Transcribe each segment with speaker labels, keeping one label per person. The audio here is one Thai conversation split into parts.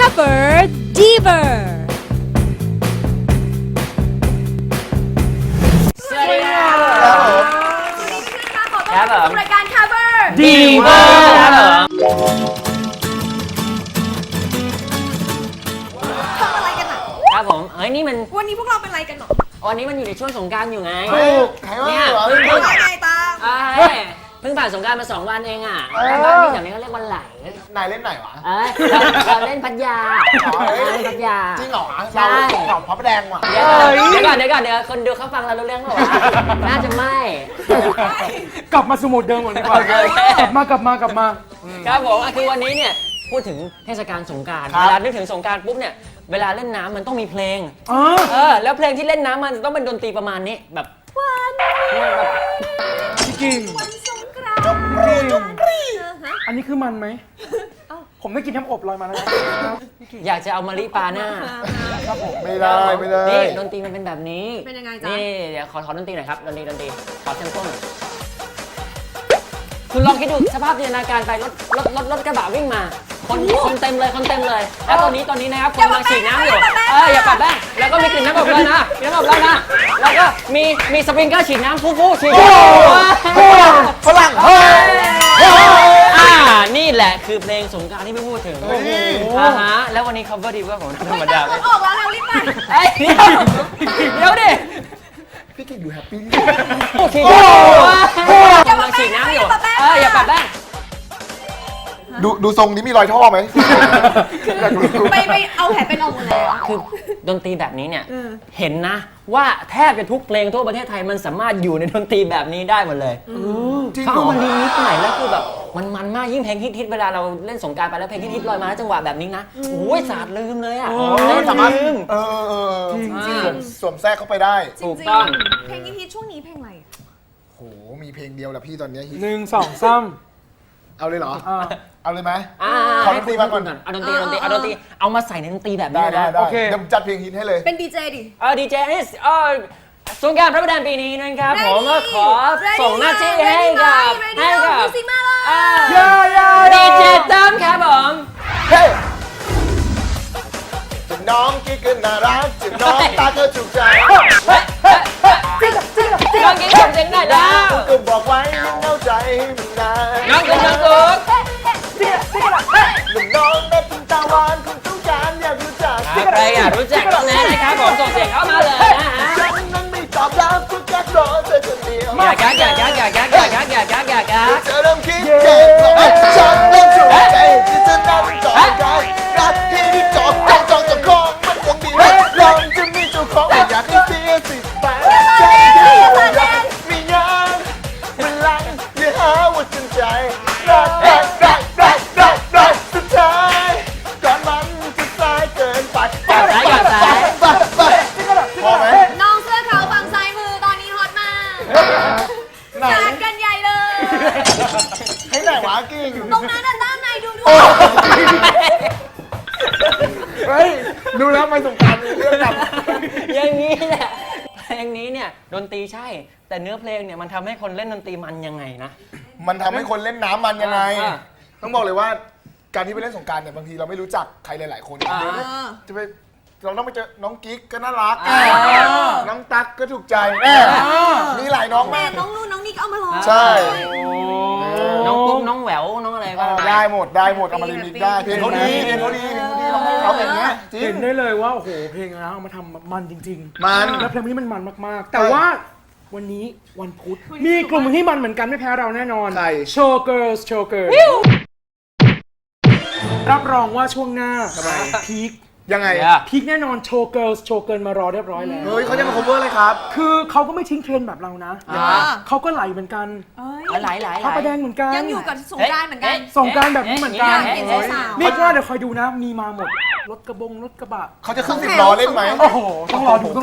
Speaker 1: Cover Diver
Speaker 2: สวัสดีครับ
Speaker 3: ขอต้อนรับสู่รายการ Cover
Speaker 2: ดีเวอร์ครับผม
Speaker 3: ทำอะไรกันอ่ะ
Speaker 2: ครับผมนี่มัน
Speaker 3: วันนี้พวกเราเป็นอะไรกันหรอ
Speaker 2: วันนี้มันอยู่ในช่วงสงกรานต์อยู่ไง
Speaker 4: ถูกใครว่า
Speaker 2: เนี่ย
Speaker 4: เหรอ
Speaker 3: ว่าไงตาม
Speaker 2: เพิ่งผ่านสงกรานต์มา2 วันเองอ่ะแต่บ้านพี่แถวนี้เขาเรียกวันไหล
Speaker 4: นายเล่นไหนวะ
Speaker 2: เราเล่นพัทยา
Speaker 4: อ๋อเอ้ย
Speaker 2: เล่นพัทยา
Speaker 4: จริงเหรอ
Speaker 2: ใช่
Speaker 4: เราพระประแดงว่ะ
Speaker 2: เดี๋ยวก่อนเดี๋ยวคนดูเขาฟังเรารู้เรื่องหรอวะน่าจะไม่
Speaker 5: กลับมาสมุดเดิมก่อนดีกว่า
Speaker 2: โอเค
Speaker 5: กลับมา
Speaker 2: ครับผมคือวันนี้เนี่ยพูดถึงเทศกาลสงกรานต์
Speaker 4: ครับ
Speaker 2: เวลานึกถึงสงกรานต์ปุ๊บเนี่ยเวลาเล่นน้ำมันต้องมีเพลง
Speaker 5: อ๋อ
Speaker 2: แล้วเพลงที่เล่นน้ำมันต้องเป็นดนตรีประมาณนี้แบบ
Speaker 5: พี่กิ่ง
Speaker 3: วันสงกรานต์
Speaker 5: อันนี้คือมันไหม ผมได้กินน้ำอบลอยมาแล้วนะ
Speaker 2: อยากจะเอามะลิปาหน้า
Speaker 4: ไม่ได้ไม่ได้
Speaker 2: นี่ดนตรีมันเป็นแบบนี้
Speaker 3: เป็นยังไงจ๊ะ
Speaker 2: นี่เดี๋ยวขอดนตรีหน่อยครับดนตรีขอเซมเปิลหน่อยคุณลองคิดดูสภาพจินตนาการไปรถกระบะวิ่งมา คนเต็มเลยแล้วตอนนี้นะครับคนกำลังฉีดน้ำอยู่อย่าปัดแป้งแล้วก็มีกลิ่นน้ำอบเลยนะกลิ่นน้ำอบเลยนะแล้วก็มีสปริงเกอร์ฉีดน้ำฟู่ฉีด
Speaker 4: ฝรั่งเฮ้ย
Speaker 2: นี่แหละคือเพลงสงกรานต์ที่ไม่พูดถึงแล้ววันนี้ cover ดีกว่าผมธรรมดา
Speaker 3: ออกแล้วเร็วรีบไป
Speaker 2: เดี๋ยวดิ
Speaker 4: พี่กิ่งดูแฮปปี้
Speaker 2: ฉีดกำลังฉีดน้ำอยู่อย่าปัดแป้ง
Speaker 4: ดูทรงนี้มีรอยท่อไหมอยากรู้
Speaker 3: ไปเอาแผลเป็นออกหมดแล้ว
Speaker 2: คือดนตรีแบบนี้เนี่ยเห็นนะว่าแทบจะทุกเพลงทั่วประเทศไทยมันสามารถอยู่ในดนตรีแบบนี้ได้หมดเลย
Speaker 4: จริง
Speaker 2: เขา
Speaker 4: เหร
Speaker 2: เอา
Speaker 4: อ
Speaker 2: มารีมิกซ์ใหม่แล้วคือแบบมันมากยิ่งเพลงฮิตๆเวลาเราเล่นสงกรานต์ไปแล้วเพลงฮิตๆลอยมาแล้วจังหวะแบบนี้นะโอ้ยสาดลืมเลยอ่ะ
Speaker 4: สามารถ
Speaker 2: ลืม
Speaker 4: สวมแทรกเข้าไปได้
Speaker 2: ถูกต้อง
Speaker 3: เพลงฮิตช่วงนี้เพลงอะไร
Speaker 4: โหมีเพลงเดียวแหละพี่ตอนนี้ฮิต
Speaker 5: 1 2 3
Speaker 4: เอาเลยเหรอ
Speaker 5: อ่า
Speaker 4: เอาเลยไหม ขอ
Speaker 2: ให้
Speaker 4: ดนตรีมาก่อน
Speaker 2: เอาดนตรีเอามาใส่ในดนตรีแบบ
Speaker 4: ได้
Speaker 2: นี้
Speaker 4: ได้
Speaker 2: นะ
Speaker 4: ได้
Speaker 5: โอเค
Speaker 4: เดี๋ยวจัดเพลงฮิตให้เลย
Speaker 3: เป็นดีเจดิ
Speaker 2: ดีเจนี่สงกรานต์พระประแดงปีนี้นะครับผมก็ขอส่งหน้าที่ให้กับ
Speaker 3: มิวสิกมาเลย
Speaker 2: ดีเจตั้มครับผม
Speaker 4: เฮ้ยจะน้องกิ๊กก็น่ารักจะน้องตาก็ถูกใจ
Speaker 2: น้องกิ๊กส่งเสียงหน่อยดาว
Speaker 4: ก็บอกไว้ยังเข้าใจมันนาน
Speaker 2: น้องกุ๊กน้องกุ๊ก
Speaker 4: หนุ่มน้องแม่พิมตาหวานคงต้องการอยากรู้จัก
Speaker 2: ใครอยากรู้จักน้องแนนนะครับผมส่งเสียงเข้ามาเลยนะฮะ
Speaker 4: ฉันนั้นไม่ตอบรับก็แค่รอเธอคนเดียว
Speaker 2: อย่ากัก
Speaker 4: เธอเริ่มคิดเจ็บแล้วฉันเริ่มถูกใจที่เธอนั่งต่อกันรักที่จอกเจ้าของมันคงดีลองจะมีเจ้าของไม่อยากให้เสียสิทธิ์ไปใจที่รักมีงานมันลังอย่าหาว่าจนใจรักสุดท้ายก่อนมันจะสายเกินไปพอไหม
Speaker 3: น้องเสื้อขาวฝั่งซ้ายมือตอนนี้ฮอตมาก
Speaker 4: ไหน
Speaker 3: สาดกันใหญ่เลย
Speaker 4: ให้ไหนวะกิ่ง
Speaker 3: ตรงนั้นน่ะด้านในดูด้วย
Speaker 4: เฮ้ยดูแล้วมันสงกรารมีเรื่องกับ
Speaker 2: อย่างนี้แหละเพลงนี้เนี่ยดนตรีใช่ แต่เนื้อเพลงเนี่ยมันทำให้คนเล่นดนตรีมันยังไงนะ
Speaker 4: มันทำให้คนเล่นน้ำมันยังไง
Speaker 2: อ่า
Speaker 4: ต้องบอกเลยว่าการที่ไปเล่นสงกรารเนี่ยบางทีเราไม่รู้จักใครหลายๆคน
Speaker 2: อ่า
Speaker 4: จะไปเราต้องไปเจอน้องกิ๊กก็น่ารัก
Speaker 2: อ่า
Speaker 4: น้องตั๊กก็ถูกใจมีหลายน้อง
Speaker 3: แต่
Speaker 4: มาก
Speaker 3: น้องนู่นน้องนี่ก็เอามาร้อง
Speaker 4: ใช่
Speaker 2: น้องปุ๊กน้องแหววน้องอะไรบ้าง
Speaker 4: ได้หมดเอามารีมิกซ์ได้เพลงเขาดีต้องให้เขาอย่างเงี้ยจริ
Speaker 5: เห็
Speaker 4: ง
Speaker 5: นได้เลยว่า โอ้โห เพลงนะเอามาทำมันจริงๆ
Speaker 4: มัน
Speaker 5: แล้วเพลงนี้มันมากๆ แต่ว่าวันนี้วันพุธ มีกลุ่มที่มันเหมือนกันไม่แพ้เราแน่นอน
Speaker 4: ใคร
Speaker 5: Show Girls รับรองว่าช่วงหน้าพีค
Speaker 4: ยังไง
Speaker 5: พีคแน่นอน Show Girls โชว์เกินมารอเรียบร้อยแล้ว
Speaker 4: เฮ้ยเขาจะมา cover เลยครับ
Speaker 5: คือเขาก็ไม่ทิ้งเทรนด์แบบเรานะ เขาก็ไหลเหมือนกัน
Speaker 2: หลาย
Speaker 5: พระประแดงเหมือนกัน
Speaker 3: ยังอยู่กับสงกรานต์เหมือนกัน
Speaker 5: ส่งกรารแบบนี้เหมือนกัน
Speaker 3: เห็นสาวๆ
Speaker 5: นี่ว่าเดี๋ยวคอยดูนะ มีมาหมด รถกระบะ
Speaker 4: เขาจะขึ้น10 ล้อเล่นไหม
Speaker 5: โอ้โห ต้องรอดู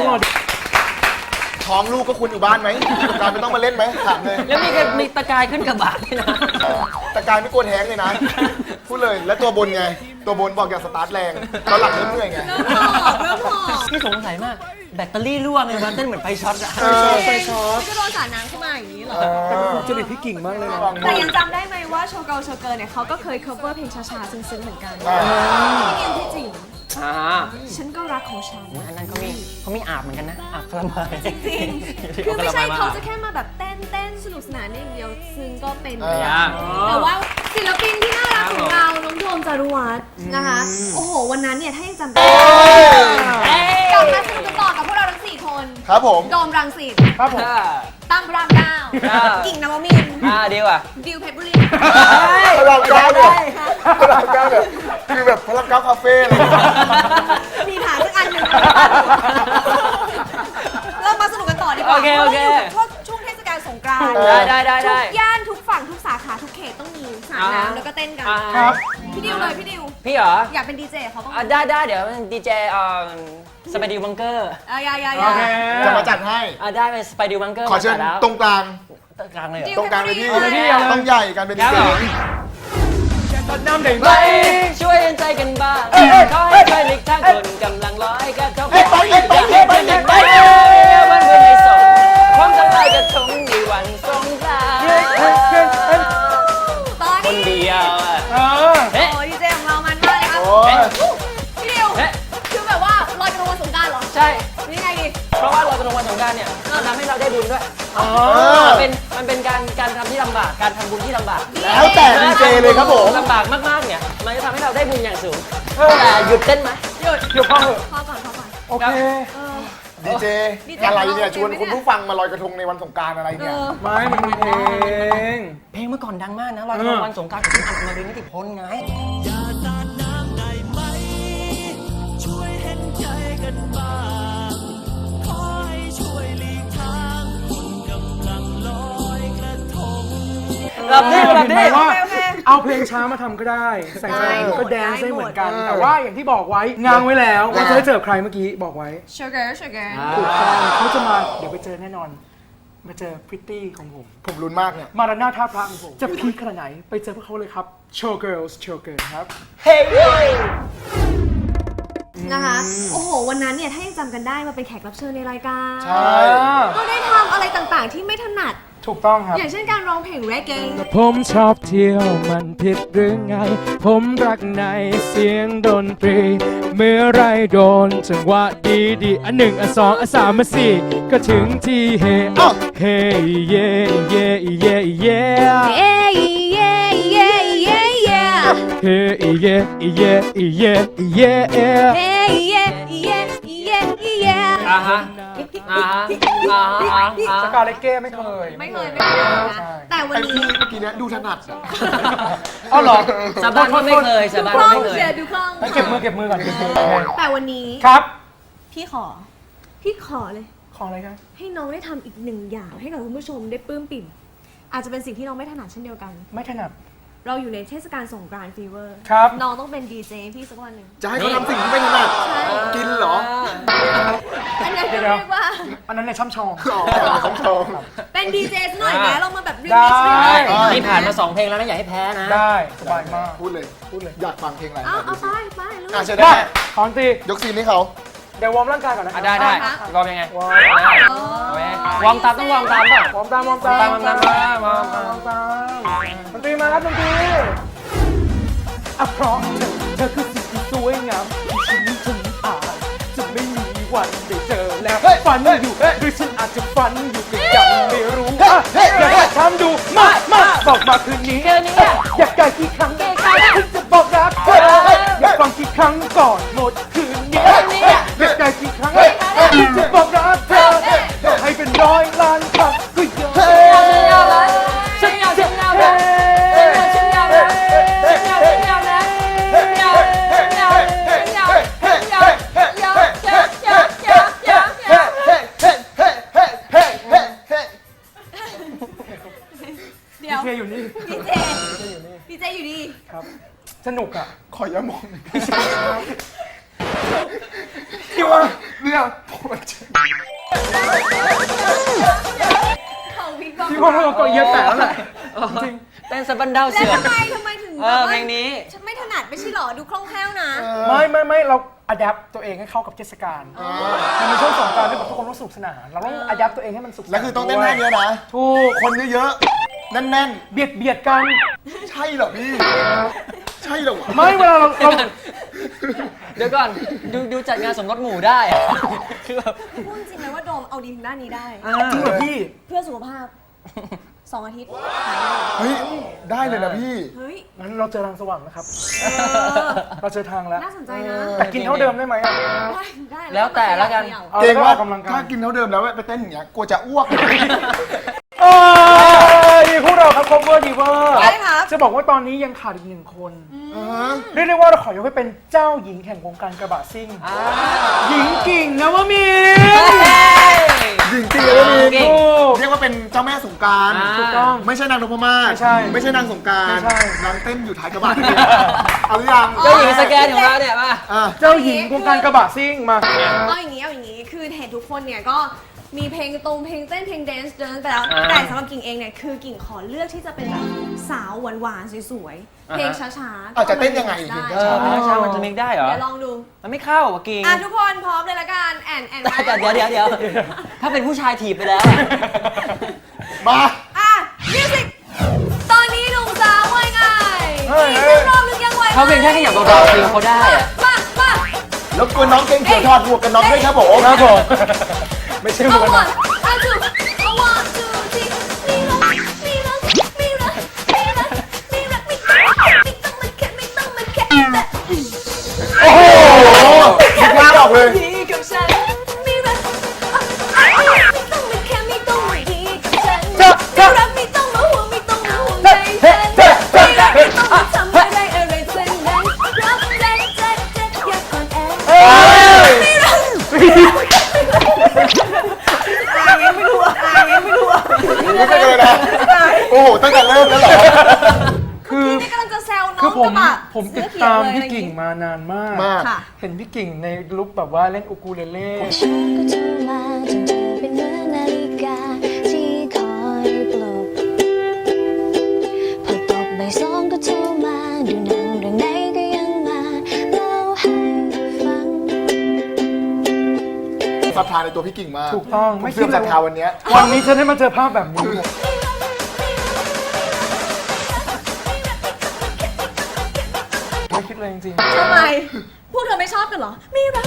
Speaker 4: ท้องลูกก็คุณอยู่บ้านไหมสงกรารไม่ต้องมาเล่นไหมถามเลย
Speaker 2: แล้วมีตะกายขึ้นกระบะด้วยนะ
Speaker 4: แต่กายไม่กลัวแท้งเลยนะ พูดเลยแล้วตัวบนไงตัวบนบอกอย่าสตาร์ทแรงตอนหลังเริ่มเหนื่อยไง
Speaker 3: เริ่มหอบ
Speaker 2: พี่สงสัยมากแบตเตอรี่รั่วเลยมันเต้นเหมือนไฟช็อตอะ
Speaker 5: ไฟช็อต
Speaker 3: ก็โดนสาดน้ำเข้ามาอย่างนี้เหรอ
Speaker 5: แต่เป็นจริตที่กิ่งมากเลยนะ
Speaker 3: แต่ยังจำได้ไหมว่าโชเกิลเนี่ยเขาก็เคย cover เพลงช้าๆซึ้งๆเหมือนกัน
Speaker 4: อ่า
Speaker 3: ที่จริง
Speaker 2: อ่า
Speaker 3: ฉันก็รักของฉัน
Speaker 2: อันนั้นเขามีอาบเหมือนกันนะอาบคาราไมล์
Speaker 3: จริงๆคือไม่ใช่เขาจะแค่มาแบบเต้นสนุกสนานอย่างเดียวซึ่งก็เป็นไปได้แต่ว่าศิลปินที่น่ารักของเราน้องโดมจารุวัฒน์นะคะ โอ้โห วันนั้นเนี่ยถ้ายังจำได้กลับมาสนุกกันต่อกับพวกเราทั้ง4 คน
Speaker 4: ครับผม
Speaker 3: โดมรังสิต
Speaker 5: ครับผม
Speaker 3: ตั้มรามเก้ากิ่งนวมินทร์
Speaker 2: ดีว่ะ
Speaker 3: ดิวเพชรบุรี
Speaker 4: พลังเก้าเนี่ยพลังเก้าเนี่ยคือแบบพลังเก้าคาเฟ่เลย
Speaker 3: มีฐานสักอันหนึ่งเรามาสนุกกันต่อดีกว่า
Speaker 2: โอเค
Speaker 3: ช่วงเทศกาลสงกรานต์
Speaker 2: ได้
Speaker 3: ทุกย่านทุกฝั่งทุกสาขาทุกเขตต้องมีสาดน้ำแล้วก็เต้นกัน
Speaker 5: ครับ
Speaker 3: พี่ดิวเลยพี่ดิว
Speaker 2: พี่เหรอ
Speaker 3: อยากเป็นดีเจเขาบ้างไหม
Speaker 2: ได้เดี๋ยวดีเจสไปดิวบังเกอร์
Speaker 3: อย่า
Speaker 5: โอเค
Speaker 4: จะมาจัดให้
Speaker 2: ได้เป็นสไปดิวบังเกอร์
Speaker 4: ขอเชิญตรงกลาง
Speaker 2: กลางเลยเหรอ
Speaker 4: ตรงกลางเลยพี่
Speaker 5: เอาเลยพี่เอาเลย
Speaker 4: ต้องใหญ่กันเป็นดี
Speaker 2: ครับ
Speaker 4: เจ
Speaker 2: ผม
Speaker 5: ตัดน้ำเด็ก
Speaker 2: ไปช่วยใจกันบ้างขอให้ช่วยหลีกทางคนกำลังลอยกระทงไปวันเพื่อนในสงความสบายกระทงในวันสงกรานต์
Speaker 3: ตอน
Speaker 2: คน
Speaker 3: นี้
Speaker 2: เดียวอ่ะ
Speaker 5: เออ
Speaker 2: เฮ้ย
Speaker 3: โอ้ดีเจของเรามันมากเลยครับ
Speaker 4: โอ้ย
Speaker 3: พี่ดิวคือแบบว่าลอยกระทงวันสงกรานต์เหรอ
Speaker 2: ใช่
Speaker 3: นี่ไงดิ
Speaker 2: เพราะว่าเรากระทงวันสงกรานต์เนี่ยมันทำให้เราได้บุญด้วย
Speaker 5: อ๋อ
Speaker 2: มันเป็นการทำที่ลำบากการทำบุญที่ลำบาก
Speaker 4: แล้วแต่ดีเจเลยครับผม
Speaker 2: ลำบากมากๆเนี่ยมันจะทำให้เราได้บุญอย่างสูงแต่หยุดเต้นไหม
Speaker 3: หยุด
Speaker 5: หยุดพ่อเหอะ
Speaker 3: พอก่อน
Speaker 5: โอเค
Speaker 4: ดีเจอะไรเนี่ยชวนคุณผู้ฟังมาลอยกระทงในวันสงกรารอะไรเนี่ย
Speaker 5: ไม่มันเป็นเพลง
Speaker 2: เพลงเมื่อก่อนดังมากนะลอยกระทงวันสงกรานต์ของพี่อัดมารินนิติพลไง หลับดิ
Speaker 5: เห็นไหมว่าเอาเพลงช้ามาทำก็ได้ใส่ใจก็แดนซ์ได้เหมือนกัน แต่ว่าอย่างที่บอกไว้งางไว้แล้วว่าจะได้เจอใครเมื่อกี้บอกไว้
Speaker 3: sugar
Speaker 5: ถูกต้องเขาจะมาเดี๋ยวไปเจอแน่นอน มาเจอพริตตี้ของผม
Speaker 4: ผมลุ้นมากเนี่ย
Speaker 5: มาราน่าท่าพระของผม จะพีคขนาดไหนไปเจอพวกเขาเลยครับ Show Girls Show Girl ครับ
Speaker 3: นะคะ โอ้โห วันนั้นเนี่ยถ้ายังจำกันได้มาเป็นแขกรับเชิญในรายการ
Speaker 4: ใช่
Speaker 3: ก็ได้ทำอะไรต่างๆที่ไม่ถนัด
Speaker 5: ถูกต้องครับ
Speaker 3: อย่างเช่นการร้องเพลงเรเก
Speaker 6: ผมชอบเที่ยวมันผิดหรือไง ผมรักในเสียงดนตรี เมื่อไรโดนจังหวะดีๆอันหนึ่งอันสองอันสามอันสี่ก็ถึงที่เฮเฮเย่เย่เย่เย่
Speaker 3: เย้เย้เย้เย้เย้
Speaker 6: เฮเย่เย่เย่เย่
Speaker 3: เย้เย้เย้เย้เย้
Speaker 2: อ่าฮะ
Speaker 5: สกาเลเก้ไม่เคย
Speaker 3: ไม่เคยนะแต่วัน
Speaker 4: ไอ้
Speaker 3: นี้
Speaker 4: พี่เมื่อกี้เนี่ยดูถนัดอะ
Speaker 5: เอาเหรอ
Speaker 2: สาบานว่าไม่เคยสาบาน
Speaker 3: คล่
Speaker 2: ว่า
Speaker 3: อง
Speaker 2: ไม่เคย
Speaker 3: เชียร์ดูคล่อง
Speaker 5: เก็บมือก่อน
Speaker 3: แต่วันนี้
Speaker 5: ครับ
Speaker 3: พี่ขอเลย
Speaker 5: ขออะไรครับ
Speaker 3: ให้น้องได้ทำอีกหนึ่งอย่างให้กับคุณผู้ชมได้ปลื้มปิ่ม อาจจะเป็นสิ่งที่น้องไม่ถนัดเช่นเดียวกัน
Speaker 5: ไม่ถนัด
Speaker 3: เราอยู่ในเทศกาลสงกรานต์ฟีเวอร์
Speaker 5: ครับ
Speaker 3: น้องต้องเป็นดีเจพี่สักวันหนึ่ง
Speaker 4: จะให้เขาทำสิ่งที่ไม่ถนัด
Speaker 3: ใช่
Speaker 4: กินเหรอ
Speaker 3: อันนั้น
Speaker 5: เดี๋
Speaker 3: เรี
Speaker 5: ยว
Speaker 3: ยกว่า
Speaker 5: อันนั้นในช่ำชอง
Speaker 4: อ๋อของชม
Speaker 3: เป็นดีเจสักหน่อยไหมเรามาแบบรี
Speaker 5: ได้
Speaker 3: มิกซ์
Speaker 2: นี่ผ่านมา2เพลงแล้วนะอย่าให้แพ้นะ
Speaker 5: ได้สบายมาก
Speaker 4: พูดเลย อยากฟังเพลงอะไร
Speaker 3: เอาไปลูก
Speaker 4: อ่ะเชิญได้
Speaker 5: ได้ขอนตี
Speaker 4: ยกซีนให้เขา
Speaker 5: เดี๋ยววอร์มร่างกายก่อนนะ
Speaker 2: ได้วอร์มยังไง
Speaker 5: วอร์ม
Speaker 2: วอร์มตามต้องวอร์มตามป่ะ
Speaker 5: วอร์มตาม
Speaker 2: วอร์มตาม
Speaker 5: ดนตรีมาครับดนตรีอ่ะเพราะเธอคือสิ่งที่สวยงามที่ฉันอาจจะไม่มีวันได้เจอแล้วฝันอยู่หรือฉันอาจจะฝันอยู่ก็ยังไม่รู้อยากจะทำดูมาบอกมาคืนนี้อยากไกลกี่ครั้งฉันจะบอกรักเธออยากฟังกี่ครั้งก่อนหมดคืนนี้อยากไกลกี่ครั้งฉันจะบอกรักเธอให้เป็นร้อยล้านครั้งก็ยัง
Speaker 2: ฉันยาวเลยฉันยาวเลยฉันยาวเลยฉันยาวเลยฉันยาวเลยฉันยาวเลยฉันยาวเลยฉันยาวเลยฉันยาวเลย
Speaker 3: เดี๋ยว
Speaker 5: เจอยู่นี่
Speaker 3: ดีเจอยู่ดี
Speaker 5: ครับสนุกอ่ะ
Speaker 4: ขออย่ามองหน่อย
Speaker 5: ที่ว่า
Speaker 4: เนี่ยปวดใจ
Speaker 3: เขาวิกบอก
Speaker 5: ที่ว่าเราก็เยอะแต่แล้วแหละ
Speaker 2: จริงเต้นสะบันดาว
Speaker 3: แล้
Speaker 2: เสื
Speaker 3: ว
Speaker 2: อ
Speaker 3: ทำไมถึง
Speaker 2: เพลงนี้
Speaker 3: ฉันไม่ถนัดไม่ใช่หรอดูคล่องแคล่วนะ
Speaker 5: ไม่เราอัดแอปตัวเองให้เข้ากับเทศกาลมันมีช่วงสงกรานต์ที่แบบทุกคนต้องสนุกสนานเราต้องอัดแอปตัวเองให้มันสุขสนาน
Speaker 4: แล้วคือต้องเต้นท่าเนี้ยนะ
Speaker 5: ถูก
Speaker 4: คนเยอะๆ แน่น
Speaker 5: เบียดกัน
Speaker 4: ๆ ใช่เหรอพี่ ใช่เหรอวะ
Speaker 5: ไม่เวลาเรา
Speaker 2: เดี๋ยวก่อนดูจัดงานสมรสหมู่ได้อะคือแบบ
Speaker 3: พูดจริงไหมว่าโดมเอาดีทางด้านนี้ได้
Speaker 5: จริงเหรอพี่
Speaker 3: เพื่อสุขภาพ 2 อาทิตย์หายเลย
Speaker 4: เฮ้ย ได้เลยนะพี่
Speaker 3: เฮ้ย
Speaker 5: งั้นเราเจอทางสว่างนะครับ เราเจอทางแล้ว
Speaker 3: น่าสนใจนะ
Speaker 5: แต่กินเท่าเดิมได้ไหมอะ
Speaker 3: ได้
Speaker 2: แล้วแต่แล้วกัน
Speaker 5: เอา
Speaker 4: เกรง
Speaker 5: แล้ว
Speaker 4: ว่า
Speaker 5: ออกกำลังกา
Speaker 4: ถ้าย กินเท่าเดิมแล้วไปเต้นอย่างเงี้ยกลัวจะอ้วก
Speaker 5: ดีพวกเราครับ cover diver
Speaker 3: ได้ครับ
Speaker 5: จะบอกว่าตอนนี้ยังขาดอีก1 คน
Speaker 4: อ่าฮะ
Speaker 5: เรียกได้ว่าเราขอยกให้เป็นเจ้าหญิงแห่งวงการกระบะซิ่ง หญิงกิ่งนะวะมี
Speaker 4: จริงๆเลย
Speaker 2: เก่
Speaker 4: พี่
Speaker 2: ง
Speaker 4: เรียกว่าเป็นเจ้าแม่สงกราร
Speaker 5: ถูกต้อง
Speaker 4: ไม่ใช่นางนพมาศ
Speaker 5: ไม่ใช่
Speaker 4: ไม่ใช่นางสงกราร
Speaker 5: ไม่ใช่
Speaker 4: นางเต้นอยู่ท้ายกระบะนี่เอาหรือยัง
Speaker 2: เจ้าหญิงสแกนของเราเนี่ยมา
Speaker 4: อ่ะ
Speaker 5: เจ้าหญิงวงการกระบะซิ่งมา
Speaker 3: เอาอย่างนี้ คือเห็นทุกคนเนี่ยก็มีเพลงตรงเพลงเต้นเพลงแดนซ์เดินไปแล้ว แต่สำหรับกิ่งเองเนี่ยคือกิ่งขอเลือกที่จะเป็นแบบสาวหวานๆสวยๆ เพลงช้าๆ
Speaker 4: อาจจะเต้นยังไง
Speaker 3: ได้
Speaker 4: เห็น
Speaker 2: ช้ามันจะมิกได้เหรอ
Speaker 3: เดี๋ยวลองดู
Speaker 2: มันไม่เข้าอ่ะกิง
Speaker 3: ทุกคนพร้อมเลยละกันแอน
Speaker 2: แต่เดี๋ยวถ้าเป็นผู้ชายถีบไปแล้ว
Speaker 4: มา
Speaker 3: มิวสิกตอนนี้หนุ่มสาวว่าไง
Speaker 5: เฮ้ย
Speaker 3: อีกรอบนึงยังไหวไหม
Speaker 2: เขาเพียงแค่ขยับเบาๆคือเขาได้อะ
Speaker 3: มา
Speaker 4: แล้วกวนน้องเก่งเขียวถอดหมวกกันน็อกด้วยครับผม
Speaker 5: ครับผมไม่ใช่
Speaker 3: เอา
Speaker 5: วง
Speaker 3: วั
Speaker 5: นะ
Speaker 3: นเอาจูเอาวันจูจีมีรักมีต้องมาแค่ไม่ต้องมาแค่
Speaker 4: โอ้โหคิดว่าออกเลย
Speaker 3: ดีกับฉันมีรักไม่ต้องมาแค่ไม่ต้องมาดีกับฉันมีรักไม่ต้องมาห่วงไม่ต้องมาห่วงใจฉันไม่ต้องมาทำอะไรอะไรเส้นนั้นรักใจอย่าก่อนแอบไม่รักไม่รู้
Speaker 4: ไม่เป็นไรนะโอ้โหตั้งแต่เริ่มแล้วเหรอ
Speaker 5: คือ
Speaker 3: นี่กำลังจะแซวน้
Speaker 5: คือ
Speaker 3: องกระบะ
Speaker 5: ผมติดตามพี่กิ่งมานานมาก
Speaker 4: มาก
Speaker 3: ค่ะ
Speaker 5: เห็นพี่กิ่งในลุคแบบว่าเล่นอูคูเลเล่
Speaker 7: ฉันก็โทรมาจนเธอเป็นเหมือนนาฬิกาที่คอยปลุกพอตกบ่ายสองก็โทรมาดูหนังเรื่องไหนก็ยังมาเล่าให้ฟัง
Speaker 4: ศรัทธาในตัวพี่กิ่งมาก
Speaker 5: ถูกต้อง
Speaker 4: ไม่
Speaker 5: ไม่
Speaker 4: เชื่
Speaker 5: คิ
Speaker 4: อ
Speaker 5: ด
Speaker 4: ศรัท
Speaker 5: เลย
Speaker 4: ธาวันเนี้ย
Speaker 5: วันนี้ฉันได้มาเจอภาพแบบนี้ ไม่คิดเลยจริง
Speaker 3: ทำไม พวกเธอไม่ชอบกันเหรอ มีรัก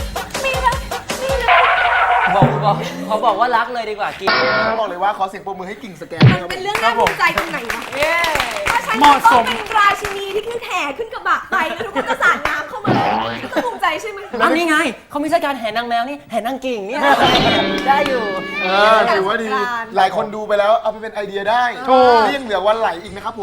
Speaker 2: เขาบอกว่ารักเลยดีกว่ากิง
Speaker 4: บอกเลยว่าขอเสียงปรบมือให้กิ่งสแกน
Speaker 3: มันเป็นเรื่องน่าภูมิใจตรงไหนวะถ้าฉัน
Speaker 5: เหมาะส
Speaker 3: ต้อง
Speaker 5: ม
Speaker 3: เป็นราชินีที่ขึ้นแห่ขึ้นกระบะไปแล้วทุกคนก็สาดน้ำเข้ามาต้องภูมิใจใช่ไหม
Speaker 2: อันนี้ไงเขามีเทศกาลแห่นางแมวนี่แห่นางกิ่งเนี่ยได้อยู่
Speaker 4: ถือว่าดี หลายคนดูไปแล้วเอาไปเป็นไอเดียได้
Speaker 5: ถูก
Speaker 4: นี่ยังเหลือวันไหลอีกนะครับผม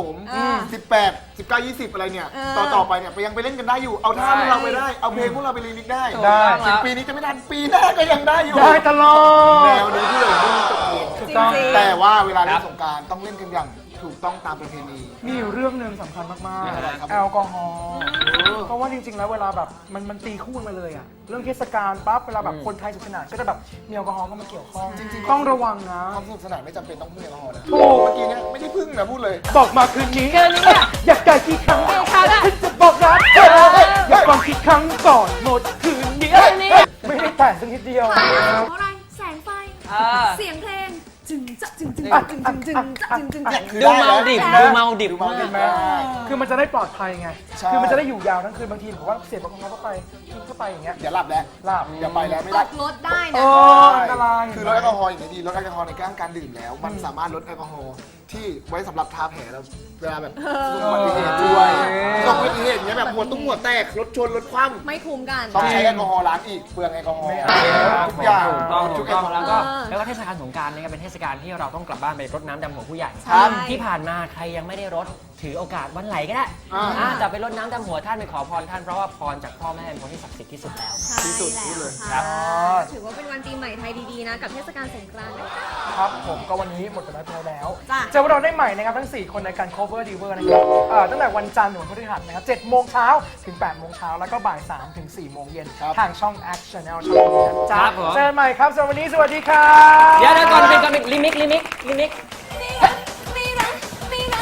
Speaker 4: 18 19 20 อะไรเนี่ย ต่อไปเนี่ยยังไปเล่นกันได้อยู่ เอาท่าพวกเราไปได้ เอาเพลงพวกเราไปรีมิกซ์ได้
Speaker 5: ได้
Speaker 4: ถึงปีนี้จะไม่ทันปีหน้าก็ยังได้อยู่
Speaker 5: ได้ตลอ
Speaker 4: แน
Speaker 5: ด
Speaker 4: วนี้ที่เลยไม่มีตกเอง
Speaker 5: ถูกต้อง
Speaker 3: จริง
Speaker 4: แต่ว่าเวลาเล่นสงกรารต้องเล่นกันอย่างถูกต้องตามประเพณี
Speaker 5: มีอยู่เรื่องหนึ่งสำคัญมาก
Speaker 4: อะไรครับ
Speaker 5: ๆ แอลกอฮอล์เพราะว่าจริงๆ แล้วเวลาแบบมันตีคู่กันมาเลยอะเรื่องเทศกาลปั๊บเวลาแบบคนไทยสนุกสนานก็จะแบบมีแอลกอฮอล์เข้ามาเกี่ยวข้อง
Speaker 4: จริงๆ
Speaker 5: ต้องระวังนะ
Speaker 4: ความสนุกสนานไม่จำเป็นต้องพึ่งแอลกอฮอล์นะ
Speaker 5: ถูก
Speaker 4: เมื่อกี้เนี่ยไม่ได้พึ่งนะพูดเลย
Speaker 5: บอกมาคืนนี้อยากได้กี่ครั้งฉันจะบอกรักเธออยากฟังกี่ครั้งก่อนหมดคืนนี้ไม่ได้แต่งสักนิดเดียว
Speaker 3: เพราะอะไร แสงไฟ เสียงเพลง จึงจะจึงจึงจึงจึงจึงจึงจึงจึง
Speaker 4: คือ
Speaker 2: ดู
Speaker 4: ได้
Speaker 2: เมา
Speaker 4: นะ
Speaker 2: ดิบ
Speaker 3: ได้
Speaker 2: ดูเมาดิบ
Speaker 4: ดูเมาดิบ
Speaker 2: มาก
Speaker 5: คือมันจะได้ปลอดภัยไง
Speaker 4: ใช่
Speaker 5: คือมันจะได้อยู่ยาวทั้งคืนบางทีผมว่าเสียบแอลกอฮอล์เข้าไปกินเข้าไปอย่างเงี้ย
Speaker 4: เดี๋ยวหลับแล้ว
Speaker 5: หลับ
Speaker 4: อย่าไปแล้วไม่
Speaker 3: ต
Speaker 4: ได้
Speaker 3: กรถได้
Speaker 5: เอ
Speaker 3: นะ
Speaker 5: ออันตราย
Speaker 4: คือลดแอลกอฮอล์อย่างนี้ดีลดแอลกอฮอล์ในการดื่มแล้ว มันสามารถลดแอลกอฮอล์ที่ไว้สำหรับทาแผลเราเวลาแบบอุบัติเหตุด้วยอุบัติเหตุเนี้ยแบบหัวตุ้งหัวแตกรถชนรถคว่
Speaker 3: ไม่คุ้มกัน
Speaker 4: ำต้องใช้แอลกอฮอล์ล้างอีกเปลืองแอลกอฮอล์
Speaker 5: ไม่เอา
Speaker 4: ทุกอย่าง
Speaker 2: ถูกต้องแล้วก็
Speaker 3: เออ
Speaker 2: แล้วก็เทศกาลสงกรานต์นะครับเป็นเทศกาลที่เราต้องกลับบ้านไปรดน้ำดำหัวผู้ใหญ่
Speaker 3: ใช่
Speaker 2: ที่ผ่านมาใครยังไม่ได้รดถือโอกาสวันไหลก็ได้จะไปรดน้ำดำหัวท่านไปขอพรท่านเพราะว่าพรจากพ่อแม่เป็นคนที่ศักดิ์สิทธิ์ที่สุดแล้ว
Speaker 4: ที่สุดพูดเลย
Speaker 3: ใช่แล้วค่ะถือว่าเป็นวันปีใหม่ไทยดีๆนะ กับเทศกาลสงกรานต์นะคะ
Speaker 5: ครับผมก็วันนี้หมดเวลาไปแล้ว
Speaker 3: จ้ะ
Speaker 5: เจอพวกเราได้ใหม่นะครับทั้ง 4 คนในการ cover diver นะครับตั้งแต่วันจันทร์ถึงวันพฤหัสนะครับ7โมงเช้าถึง8โมงเช้าแล้วก็บ่าย3ถึง4โมงเย็น
Speaker 4: ครับ
Speaker 5: ทางช่อง Act Channel ช่องนี้นะจ๊ะ
Speaker 2: ครับผม
Speaker 5: เจอกันใหม่ครับสำหรับวันนี้สวัสดีครับ
Speaker 2: เดี๋ยวก่อนเป็นลิมิก
Speaker 3: มีรักมีรักมีรัก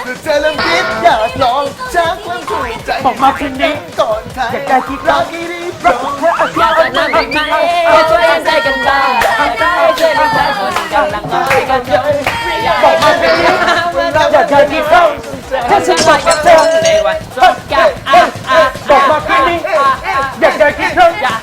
Speaker 4: ก็เธอเริ่มคิดอยากลองชักความถูกใจ
Speaker 5: บอกมาคืนนี้
Speaker 4: ก่อนใคร
Speaker 5: อยากได้คิด
Speaker 4: รั
Speaker 5: รั
Speaker 4: ก
Speaker 5: ก
Speaker 4: ที่รีบร้อง
Speaker 2: อยากจะนั่งอีกไหมช่วยใจกันบ้างได้ช่วยใจคนกำลังน้อยกันเยอะบอกมาเป็นยังไง
Speaker 5: อยากได้คิดรัก
Speaker 2: ถ้าฉันไปกับเธอในวันสงกรานต์
Speaker 5: บอกมาคืนนี้อยากได้คิดรัก
Speaker 2: อย่า